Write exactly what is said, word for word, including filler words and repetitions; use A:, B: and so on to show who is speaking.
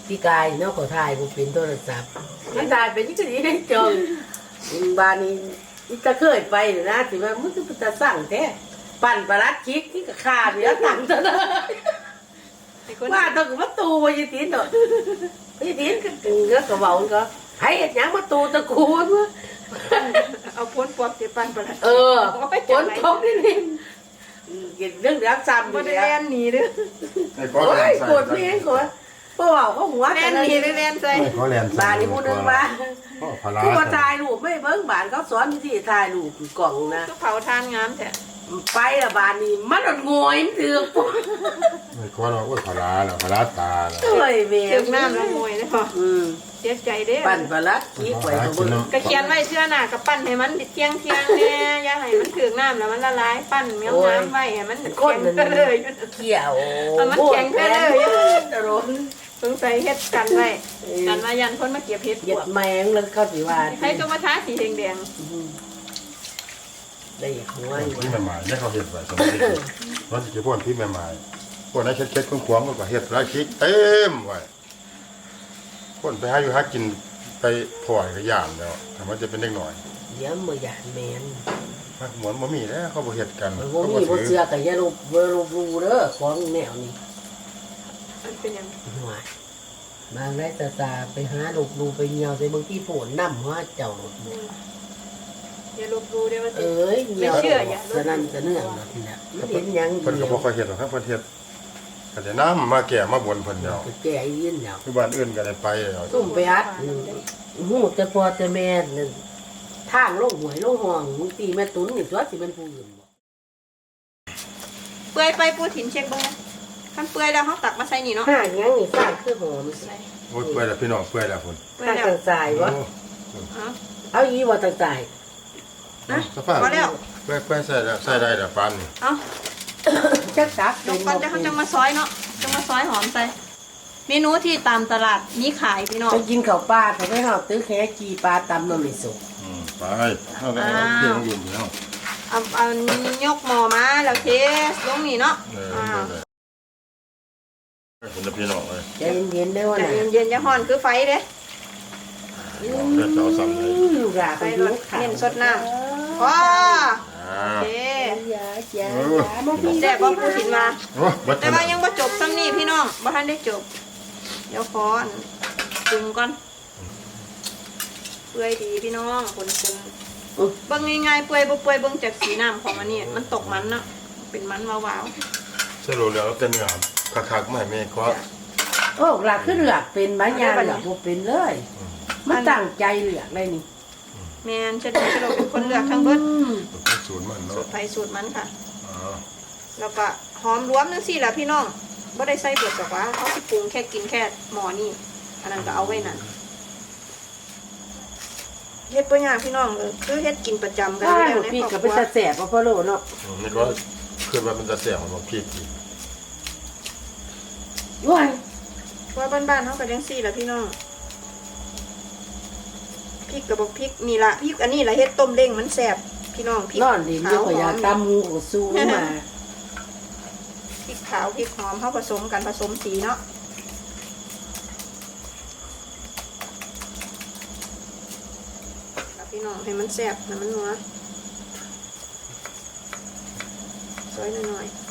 A: พี่กายเนาะเขาถ่ายกูเป็นโทรศัพท์มันถ่ายเป็นยี่สิบสี่ให้จงบ้านนี้นี่จะเคยไปนะสิว่ามึงจะสั่งแท้ปั่นปลาคิกที่กระคาเนื้อสั่งซะเลยว่าต้องมาตูมายี่สิบหน่อยยี่สิบก็เนื้อกระเบาก็ให้ยังมาตูตะกูนวะ
B: เอาพ้นปอบเสียปันปลา
A: เออพ้นทบนี่นี่กินเรื่องรักซ้ำ
B: บ่ได้แล่นหนีเด้อ
A: โอ้ยกดเพี้ยนกดเพราะว่าเขาหัว
B: แล่นหนีหรือแล่นใส่
C: เขาแลน
A: บ้านนี้พูดนึงว่าคือว่าถ่ายรูปไม่เบิ้งบ้านเขาสอนวิธีถ่ายรูปกล่องนะ
B: ก็เผาทานงามแท้
A: ไปละบ้านนี้มันงอยมันถือปุ๊บ
C: ไม่ควรว่าโอ้ยพลาแล้วพลาตาแล้ว
A: เฮ้ยเมีย
B: ถึงน้ำแล้วงอยเลยพอเสียใจเด้อ
A: ปั่นปลาขี้ไว้ตรงบน
B: กระเคียนไว้เชื่อหน้ากับปั้นให้มันเที่ยงเที่ยงแน่อย่าให้มันถึงน้ำแล้วมันละลายปั้นเมี้ยวน้ำไว้ให้มันแข็งเลย
A: เขี่ยว
B: มันแข็งเลย
A: ตะรน
B: สงสัยเฮ็ดกันไว้กันมายันคนมาเก็บเฮ็ด
A: เหยียดแมงแล้วเขาสิว่า
B: ให้ก็มาทาสีแดง
A: ได้หัวอยู่
C: ที่ใหม่ๆนี่เขาเห็ดไว้สมัยวันที่พวกที่ใหม่ๆพวกนั้นเช็ดๆขวางๆก็เห็ดไรคิกเต็มไว้คนไปหาอยู่หากินไปถอยกับย่านแล้วทำไมจะเป็นเด็กหน่อย
A: เดี๋ยวมือหยาดแมน
C: เหมือนบ่มีแล้วเขาบ่เห็ดกัน
A: บ่มีบ่เชื่อแต่อย่าลบบ่ลบรู้เด้อของแนวนี้
B: มันเป็นยัง
A: หัวบางได้ตาตาไปหาลูกดูไปเหี่ยวใส่บางที่โผล่น้ำหัวเจ้าหลด
B: อย่าลบดูได้ว่า
A: เอ้ยเหี่ยวฉะนั้นจะเนื่องแบบนี้มันเห็นยัง
C: เพิ่นก็บ่ค่อยเฮ็ดหรอกครับเพิ่นเฮ็ดก็ได้น้ำมาแก่มาบนเพิ่นเดียว
A: แก่ยืนแล้ว
C: คือบ้านอื่นก็ได้ไปแล้ว
A: ซุ่มไปอัดหูแต่พอแต่แม่นั่นทางลงหวยลงห้องมึงตีแม่ตุ้นนี่ตัวสิเป็นผู้อื่นบ่
B: เปื่อยไปปูถิ่นเช็คบ่คันเปื่อยแล้วเฮาตักมาใส่นี่เนาะ
A: ห่างยังนี่สร้างคือหอม
C: โอ้ยเปื่อยแล้วพี่น้องเปื่อยแล้วพุ่น
A: เปื่อยแล้วต่างสายวะเอาอีว่าต่างสาย
B: นะพอแล้ว
C: เปื่อยเปื่อยใส่ได้ใส่ได้แล้วปานนี่
B: เอ้า
A: จักจัก
B: ลงก่อนจะเขาจะมาซอยเนาะจะมาซอยหอมใส่เมนูที่ตามตลาดนี้ขายพี่น้อง
A: ไปกินข้าวปลาเขาไปหาตื้อแค่จีปลาตำน้ำมิโซะ
C: อืมไปเอาแล้วเดี๋ยวอยู่แล้ว
B: เอาเอายกหม้อมาแล้วเทลงนี่เนาะอ่า
C: คุณพี่น้องเลย
A: ใจเย็นๆเด้อนะ
B: เย็นๆจะห่อนคือไฟเด้
C: เดี๋ยวเจ้าสั่งเลย
A: ลูกหลานไปดู
B: เน้นสดน้ำพอโอเคแซ่บบ่พูดถินมาแต่ว่ายังบ่จบซ้ำนี่พี่น้องบ่ทันได้จบเดี๋ยวขอปรุงก่อนเปื่อยดีพี่น้องคนๆเบิ่งง่ายๆเปื่อยบ่เปื่อยเบิ่งจากสีน้ำของมันนี่มันตกมันเนาะเป็นมันวาว
C: ๆสรุปแล้วเต็มงามคักๆไม่แม่ขอ
A: โอ้หลักคือเหลือกเป็นบางอย่างเหลือกบ่เป็นเลยมันตั้งใจเหลือกได้นี่
B: แม่นเฉลี่ยเราเป็นคนเลือกทั้งเบิด
C: สูตรมันเนาะ
B: สูตรไทยสูตรมันค่ะแล้วก็หอมรวมนั่นสิล่ะพี่น้องบ่ได้ใส่เบิดหรอกว่าเขาสิปรุงแค่กินแค่หม้อนี่อันนั้นก็เอาไว้นั่นเฮ็ดบ่ยากพี่น้องเลยคือเฮ็ดกินประจำกัน
A: แล้วในครอบครัวพี่ก็เป็นแซ่บบ่พอโลเนาะ
C: นี่ก็คือว่ามันจะแซ่บของพี่กิน
A: ว้าย
B: ว่าบ้านๆเฮาก็จังซี่ล่ะพี่น้องพริกกับพริกนี่ละพริกอันนี้ละเฮ็ดต้มเล้งมันแซ่บพี่น้องพริก
A: นอนดิเดี๋ยวก็อยากตำหมูก็สู้มา
B: พริกขาวพริกหอมเขาผสมกันผสมสีเนาะพี่น้องให้มันแซ่บให้มันนัวซอยหน่อยๆ